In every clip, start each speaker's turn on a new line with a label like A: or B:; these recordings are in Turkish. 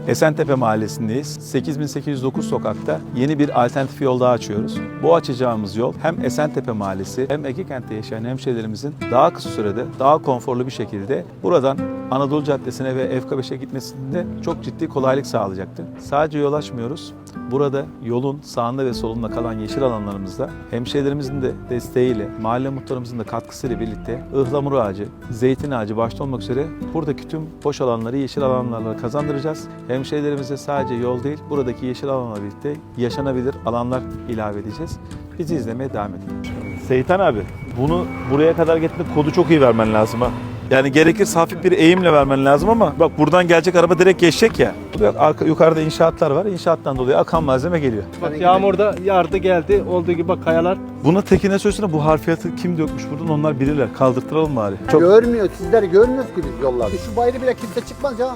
A: Esentepe Mahallesi'ndeyiz. 8809 sokakta yeni bir alternatif yol daha açıyoruz. Bu açacağımız yol hem Esentepe Mahallesi hem Ege Kent'te yaşayan hemşehrilerimizin daha kısa sürede, daha konforlu bir şekilde buradan Anadolu Caddesi'ne ve FK5'e gitmesinde çok ciddi kolaylık sağlayacaktır. Sadece yol açmıyoruz. Burada yolun sağında ve solunda kalan yeşil alanlarımızda hemşehrilerimizin de desteğiyle, mahalle muhtarımızın da katkısıyla birlikte ıhlamur ağacı, zeytin ağacı başta olmak üzere buradaki tüm boş alanları yeşil alanlarla kazandıracağız. Hemşehrilerimize sadece yol değil, buradaki yeşil alanlarla birlikte yaşanabilir alanlar ilave edeceğiz. Bizi izlemeye devam edin. Seyitan abi, bunu buraya kadar getirip kodu çok iyi vermen lazım ha. Yani gerekirse hafif bir eğimle vermen lazım ama bak buradan gelecek araba direkt geçecek ya. Yukarıda inşaatlar var. İnşaattan dolayı akan malzeme geliyor.
B: Bak yağmurda yağdı geldi. Olduğu gibi bak kayalar.
A: Buna tekine söylesene, bu harfiyatı kim dökmüş buradan, onlar bilirler. Kaldırtıralım bari.
C: Görmüyor, sizler görmüyoruz ki biz yollarda. Şu bayrağı bile kimse çıkmaz ya.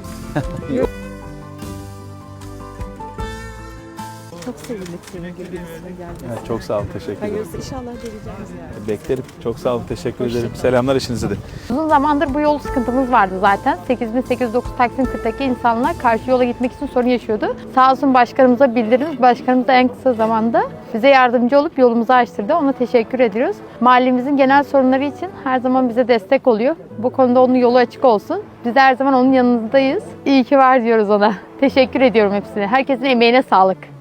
D: Çok sevindik senin gibi birisine gelmesi.
A: Evet, çok sağ olun, teşekkür ederim.
D: Hayırlısı inşallah geleceğiz yani.
A: Beklerim. Çok sağ olun, teşekkür ederim. Selamlar eşinize de.
E: Uzun zamandır bu yol sıkıntımız vardı zaten. 8809 Taksim 40'taki insanlar karşı yola gitmek için sorun yaşıyordu. Sağ olsun başkanımıza bildiririz. Başkanımız da en kısa zamanda bize yardımcı olup yolumuzu açtırdı. Ona teşekkür ediyoruz. Mahallemizin genel sorunları için her zaman bize destek oluyor. Bu konuda onun yolu açık olsun. Biz her zaman onun yanındayız. İyi ki var diyoruz ona. Teşekkür ediyorum hepsine. Herkesin emeğine sağlık.